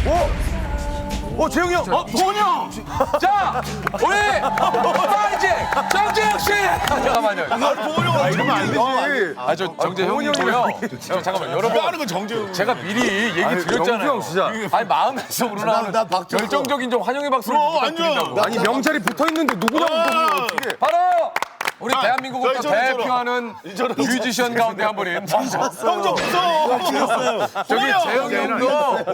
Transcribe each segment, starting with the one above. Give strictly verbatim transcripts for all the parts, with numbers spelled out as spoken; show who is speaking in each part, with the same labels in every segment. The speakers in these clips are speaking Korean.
Speaker 1: 어, 재영이 형!
Speaker 2: 어, 도훈이 형! 자, 우리 파이팅! 정재영 씨! 잠깐만요.
Speaker 1: 아, 도훈이 형 이러면 안 되지.
Speaker 2: 아, 저 정재형이고요. 형, 잠깐만, 여러분.
Speaker 3: 하는 건 정재영.
Speaker 2: 제가 미리 얘기
Speaker 1: 아니,
Speaker 2: 드렸잖아요.
Speaker 1: 영수 형 진짜.
Speaker 2: 아니, 마음에서 우러나는
Speaker 3: 나 박수.
Speaker 2: 결정적인 좀 환영의 박수를 부탁드린다고.
Speaker 1: 아니, 명찰이 붙어 있는데 누구냐고 어떻게.
Speaker 2: 바로 우리 대한민국을 또
Speaker 3: 저, 저, 저,
Speaker 2: 대표하는 뮤지션 가운데 한 분인
Speaker 3: 형좀 무서워.
Speaker 2: 저기 재영이 형도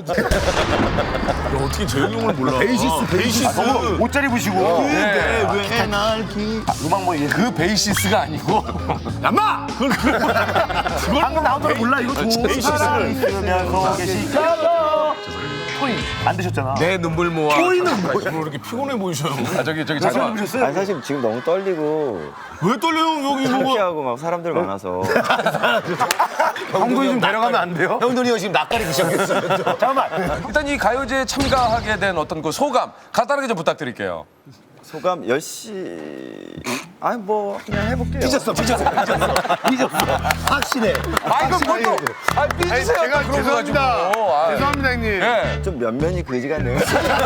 Speaker 3: 어떻게 재영이 형을 몰라? 베이시스, 베이시스.
Speaker 1: 옷 잘 입으시고.
Speaker 2: 네.
Speaker 3: 왜날 기...
Speaker 1: 음악 뭐 이게.
Speaker 2: 그 베이시스가 아니고
Speaker 3: 야마!
Speaker 1: 방금 나온 노래 몰라, 이거 도.
Speaker 3: 베이시스를.
Speaker 1: 있으면서 계시죠. 톤이 안 되셨잖아.
Speaker 2: 내 눈물 모아.
Speaker 3: 보이는 뭐 이렇게 피곤해 보이셔요.
Speaker 2: 아, 저기 저기 잠깐.
Speaker 4: 아니 사실 지금 너무 떨리고
Speaker 3: 왜 떨려요? 여기 뭐가?
Speaker 4: 창피하고 막 사람들 많아서
Speaker 1: 형돈이 좀 데려가면 안 돼요? 형돈이 형 지금 낯가리기 시작했어요. 잠깐만.
Speaker 2: 일단 이 가요제에 참가하게 된 어떤 그 소감 간단하게 좀 부탁드릴게요.
Speaker 4: 소감 열심히 아니 뭐 그냥 해볼게요.
Speaker 1: 삐졌어, 삐졌어, 삐졌어. 삐졌어. 확실해.
Speaker 2: 아 이거 뭘또 아 삐지세요.
Speaker 3: 제가
Speaker 2: 그런 거
Speaker 3: 죄송합니다.
Speaker 2: 가지고. 아,
Speaker 3: 죄송합니다, 형님.
Speaker 2: 예.
Speaker 4: 좀 면면이 그지 같네요.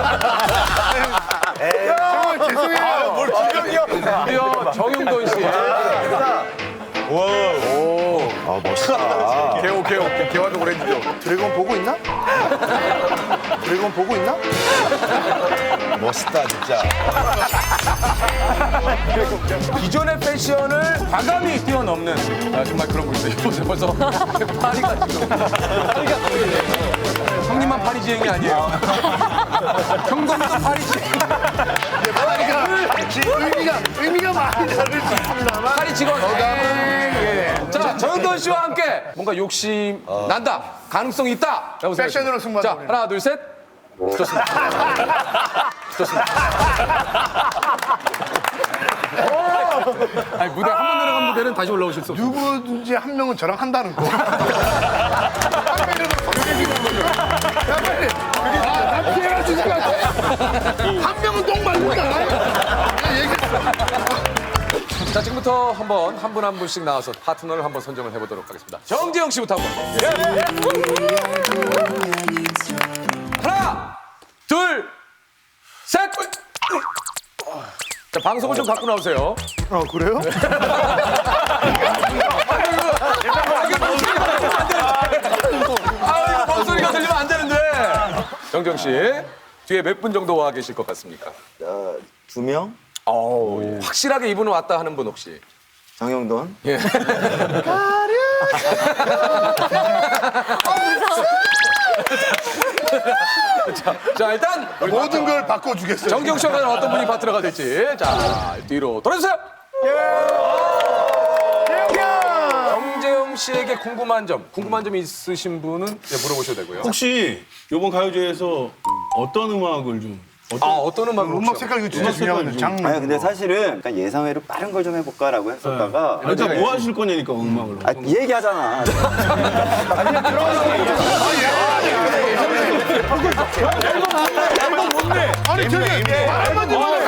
Speaker 3: 정말 죄송해요. 뭘
Speaker 2: 드디어 정용돈 씨.
Speaker 1: 아, 멋있다.
Speaker 2: 개오 개오 개화도 오렌지죠.
Speaker 1: 드래곤 보고 있나? 드래곤 보고 있나? 멋있다, 진짜.
Speaker 2: 기존의 패션을 과감히 뛰어넘는 아, 정말 그런 분이세요. 벌써 벌써 파리가 지금 파리가 형님만 파리지행이 아니에요. 형동도 파리지행.
Speaker 3: 의미가, 의미가 많이 다를 수 있습니다만.
Speaker 2: 파리 직원. 예. 자 정용돈 씨와 함께 뭔가 욕심 난다, 가능성이 있다. 라고
Speaker 3: 패션으로
Speaker 2: 생각합니다. 자
Speaker 3: 승부하자,
Speaker 2: 하나 둘 셋. 좋습니다. 좋습니다. 아니 무대 한 번 내려간 무대는 다시 올라오실 수 없어요.
Speaker 3: 누구든지 한 명은 저랑 한다는 거. 한 명이라도 적용해주는 거죠. 야, 빨리. 아, 나 피해가 주지 마. 한 명은 똥 말린다. 내가 얘기했어.
Speaker 2: 자 지금부터 한번 한 분 한 분씩 나와서 파트너를 한번 선정을 해보도록 하겠습니다. 정재영 씨부터 한번. 예. 하나, 둘, 셋. 자 방송을 좀 갖고 나오세요.
Speaker 3: 어, 그래요?
Speaker 2: 아 이거 목소리가 들리면 안 되는데. 정재영 씨 뒤에 몇 분 정도 와 계실 것 같습니까?
Speaker 4: 어, 두 명
Speaker 2: 어우, 확실하게 이분은 왔다 하는 분 혹시?
Speaker 4: 정영돈
Speaker 2: 예. 자, 자 일단 우리
Speaker 3: 모든 걸 바꿔주겠어요.
Speaker 2: 정경 씨가 어떤 분이 파트너가 될지 자 뒤로 돌아주세요. 정재영 씨에게 궁금한 점, 궁금한 점이 있으신 분은 이제 물어보셔도 되고요.
Speaker 5: 혹시 이번 가요제에서 어떤 음악을 좀
Speaker 2: 아 어떤 음악을
Speaker 3: 음악
Speaker 2: 혹시
Speaker 3: 색깔 이거 진짜 중요하거든요. 장르.
Speaker 4: 아니 근데 사실은 약간 예상외로 빠른 걸 좀 해볼까라고 했었다가
Speaker 5: 그러니까 뭐 하실 거냐니까 음악으로.
Speaker 4: 아, 이 얘기하잖아.
Speaker 3: 아니, 저기, 말만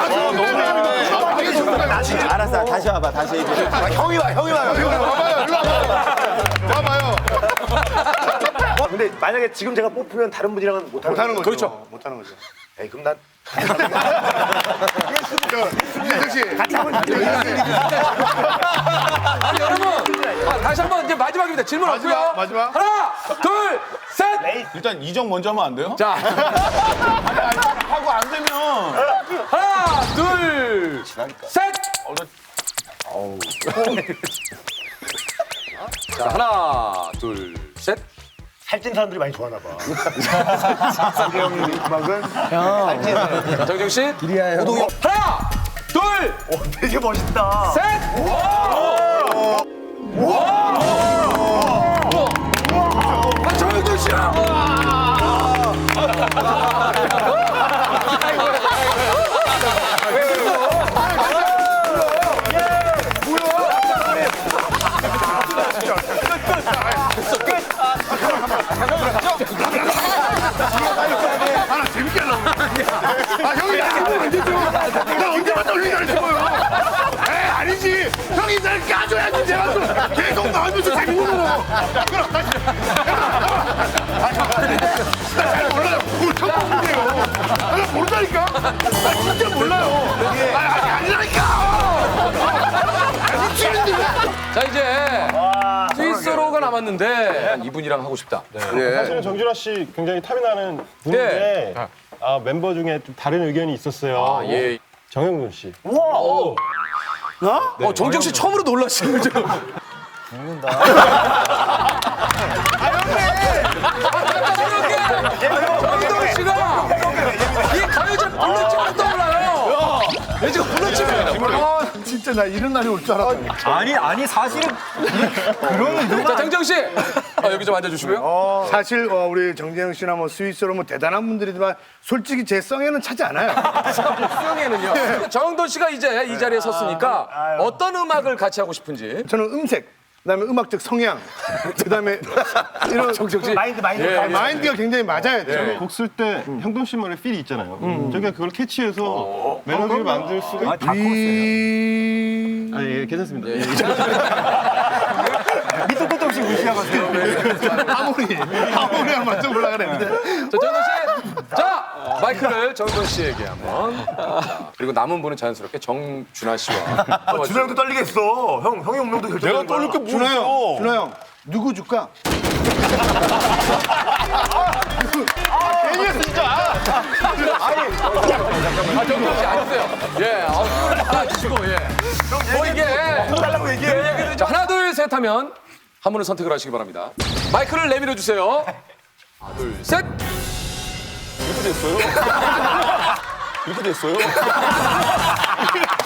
Speaker 3: 좀
Speaker 4: 알았어 다시 와봐 다시 얘기해.
Speaker 1: 형이 와, 형이 와요. 형이 와.
Speaker 3: 와봐요, 일로 와봐요. 와봐요.
Speaker 1: 근데 만약에 지금 제가 뽑히면 다른 분이랑은 못하는
Speaker 3: 못하는 거죠.
Speaker 2: 그렇죠.
Speaker 3: 못하는 거죠.
Speaker 1: 에이, 그럼 난.
Speaker 3: 이재석 씨. 같이 한번
Speaker 2: 아니 여러분 아, 다시 한번 이제 마지막입니다. 질문
Speaker 3: 마지막,
Speaker 2: 없고요.
Speaker 3: 마지막.
Speaker 2: 하나, 둘, 셋.
Speaker 5: 일단 이정 먼저 하면 안 돼요?
Speaker 2: 자
Speaker 5: 하고 안 되면
Speaker 2: 하나, 둘, 셋. 자 하나, 둘, 셋.
Speaker 1: 살찐 사람들이 많이 좋아하나 봐. 정재영 음악은.
Speaker 2: 자, 정정 씨. 오동영. 하나, 둘,
Speaker 1: 되게 멋있다.
Speaker 2: 셋. 아, 정정 씨야.
Speaker 3: 아, 나 재밌게 하려고. 아, 형이 나 지금 안 되죠? 나 언제 봤다 올리기를 싶어요. 에이, 아니지. 형이 날 까줘야지. 제가 또 계속 나오면서 재밌는 거고. 그럼 다시. 아, 잘 몰라요. 뭘 처음 아니라니까? 아, 진짜 몰라요. 아, 아니, 아니라니까! 아, 미치는데 왜?
Speaker 2: 자 이제 스위스로가 남았는데 한 이분이랑 하고 싶다. 예.
Speaker 6: 사실은 정준하 씨 굉장히 탐이 나는 분인데 아, 멤버 중에 좀 다른 의견이 있었어요.
Speaker 2: 아 예.
Speaker 6: 정영돈 씨.
Speaker 2: 어 정정 씨 처음으로 놀라시는 거죠? 정동 씨가 이 가요제 불러치고 떠올라요. 왜 지금 불러치고
Speaker 3: 아, 진짜 나 이런 날이 올 줄 알았다.
Speaker 4: 아니 아니 사실은
Speaker 2: 자 정정 씨 아, 여기 좀 앉아주시고요.
Speaker 3: 사실 어, 우리 정재영 씨나 뭐 스위스로 뭐 대단한 분들이지만 솔직히 제 성에는 차지 않아요.
Speaker 2: 수영에는요. 정동 씨가 이제 이 자리에 섰으니까 어떤 음악을 같이 하고 싶은지.
Speaker 3: 저는 음색, 그다음에 음악적 성향, 그다음에 이런
Speaker 2: 정정 씨.
Speaker 1: 마인드 마인드.
Speaker 2: 예,
Speaker 3: 아, 마인드가 굉장히 맞아야 돼요.
Speaker 6: 곡 쓸 때 형돈 씨만의 필이 있잖아요. 저희가 그걸 캐치해서 멜로디를 만들 수가 있...
Speaker 3: 위...
Speaker 6: 아, 예, 괜찮습니다.
Speaker 3: 밑도 끝도 없이 무시하거든요. 하모니, 하모니랑 맞춰보려고 그랬는데.
Speaker 2: 자 정동 씨. 자 마이크를 정동 씨에게 한번. 자, 그리고 남은 분은 자연스럽게 정준하 씨와.
Speaker 1: 준하 형도 떨리겠어. 형 형이 운명도 결정.
Speaker 5: 내가 떨릴 게
Speaker 3: 준하 형,
Speaker 5: 뭐였어?
Speaker 3: 준하 형, 누구 줄까?
Speaker 2: 아 정동 씨 앉으세요. 예. 아 주시고 예. 뭐 이게.
Speaker 1: 달라고 얘기해.
Speaker 2: 자 하나 둘 셋 하면 한 분을 선택을 하시기 바랍니다. 마이크를 내밀어 주세요. 하나 둘 셋.
Speaker 5: 이렇게 됐어요? 이렇게 됐어요?